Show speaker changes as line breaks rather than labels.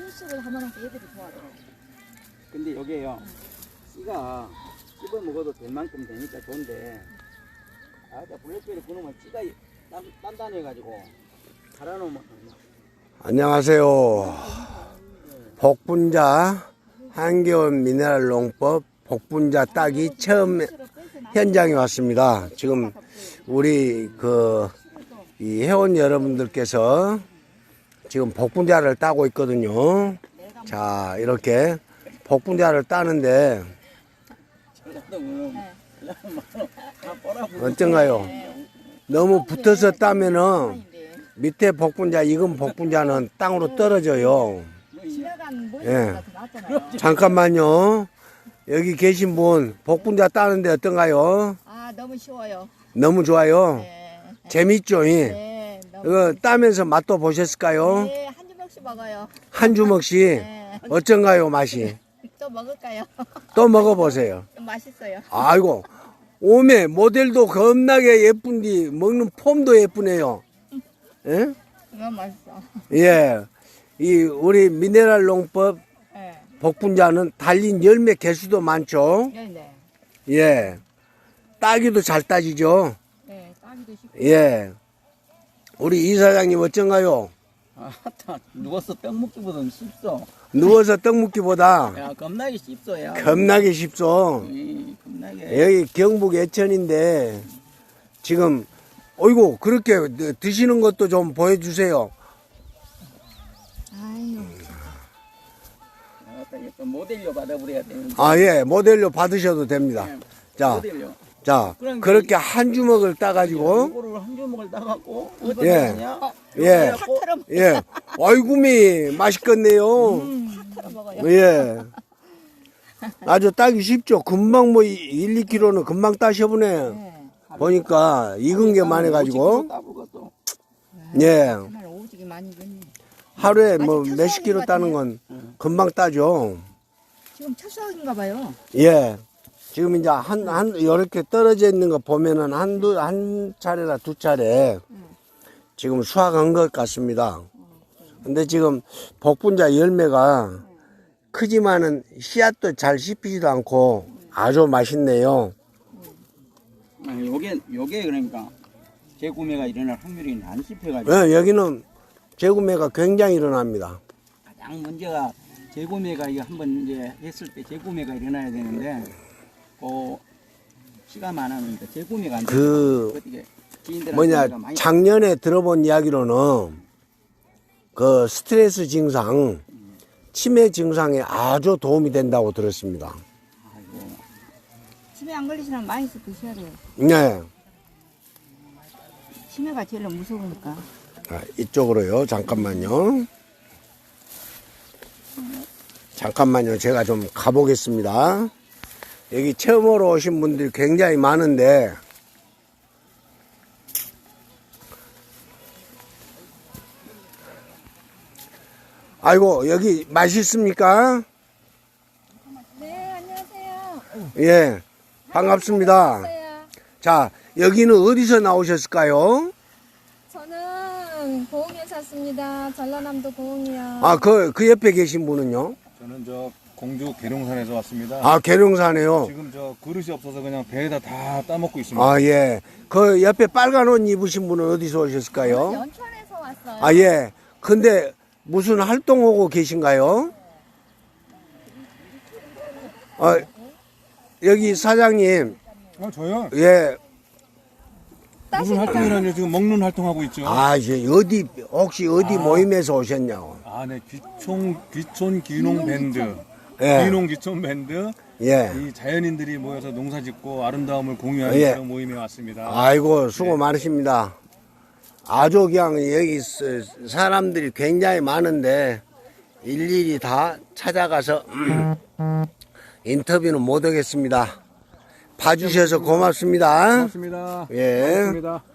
소스를 하면 애들이 좋아하더라고.
근데 여기에요. 씨가 씹어 먹어도 될 만큼 되니까 좋은데, 블랙베리 그놈은 씨가 단단해가지고 갈아놓으면.
안녕하세요. 복분자 한겨울 미네랄 농법 복분자 따기 처음 현장에 왔습니다. 지금 우리 이 회원 여러분들께서 지금 복분자를 따고 있거든요. 자, 이렇게 복분자를 따는데 어떤가요? 너무 붙어서 따면은 밑에 복분자, 익은 복분자는 땅으로 떨어져요. 예. 잠깐만요. 여기 계신 분 복분자 따는데 어떤가요?
아, 너무 쉬워요.
너무 좋아요.
네.
재밌죠?
네,
이거 따면서 맛도 보셨을까요?
네, 한 주먹씩 먹어요.
한 주먹씩.
네.
어쩐가요, 맛이?
또 먹을까요?
또 먹어보세요.
좀 맛있어요.
아이고, 오메 모델도 겁나게 예쁜디 먹는 폼도 예쁘네요. 예?
너무 맛있어.
예. 우리 미네랄 농법
네.
복분자는 달린 열매 개수도 많죠.
네네.
예. 따기도 잘 따지죠.
네, 따기도 쉽고.
예. 우리 이사장님 어쩐가요?
누워서 떡 먹기보다는 쉽소.
누워서 떡 먹기보다
야, 겁나게 쉽소, 야.
겁나게 쉽소.
겁나게.
여기 경북 예천인데 지금 어이구 그렇게 드시는 것도 좀 보여주세요.
아유.
약간 모델료 받아버려야 되는데.
아, 예. 모델로 받으셔도 됩니다.
네,
자,
모델료.
자, 그렇게 한 주먹을 따가지고
이거를 한 주먹을 따갖고
예.
어떠냐?
예.
탁 털어 먹.
예. 아이구미 맛있겠네요.
탁 털어 먹어요.
예. 아주 따기 쉽죠. 금방 뭐 1, 2kg는 금방 따셔보네.
네.
보니까 익은 게 많아가지고.
따보고
예.
정말 오지게 많이 익었네.
하루에 뭐
아직
몇십 킬로
첫
따는 건 금방 따죠.
지금 첫 수확인가 봐요.
예. 지금 이제 이렇게 떨어져 있는 거 보면은 한 차례나 두 차례 지금 수확한 것 같습니다. 근데 지금 복분자 열매가 크지만은 씨앗도 잘 씹히지도 않고 아주 맛있네요.
요게 그러니까 재구매가 일어날 확률이 안 씹혀가지고.
예, 여기는 재구매가 굉장히 일어납니다.
가장 문제가 재구매가 이거 한번 이제 했을 때 재구매가 일어나야 되는데, 시가 많으니까 재구매가 안 돼요. 어떻게 지인들한테 많이
작년에 들어본 이야기로는 그 스트레스 증상, 치매 증상에 아주 도움이 된다고 들었습니다.
아이고.
치매 안 걸리시면 많이 드셔야 돼요.
네.
치매가 제일 무서우니까.
아, 이쪽으로요. 잠깐만요. 잠깐만요. 제가 좀 가보겠습니다. 여기 처음으로 오신 분들이 굉장히 많은데 아이고 여기 맛있습니까?
네, 안녕하세요.
예, 반갑습니다. 자, 여기는 어디서 나오셨을까요?
저는 고흥에 샀습니다. 전라남도 고흥이요.
아, 그 옆에 계신 분은요?
저는 저 공주 계룡산에서 왔습니다.
아, 계룡산에요.
지금 저 그릇이 없어서 그냥 배에다 다 따먹고 있습니다.
아, 예. 그 옆에 빨간 옷 입으신 분은 어디서 오셨을까요?
연천에서 왔어요.
아, 예. 근데 무슨 활동하고 계신가요? 여기 사장님,
저요?
예.
무슨 활동이라뇨? 지금 먹는 활동하고 있죠.
아, 이제 혹시 어디 모임에서 오셨냐고.
네. 귀촌 귀농 밴드.
예.
귀농 귀촌 밴드.
예.
이 자연인들이 모여서 농사 짓고 아름다움을 공유하는
예.
그런 모임에 왔습니다.
아이고, 수고 많으십니다. 아주 그냥 여기 사람들이 굉장히 많은데 일일이 다 찾아가서 인터뷰는 못 하겠습니다. 봐주셔서 고맙습니다.
고맙습니다.
예.
고맙습니다.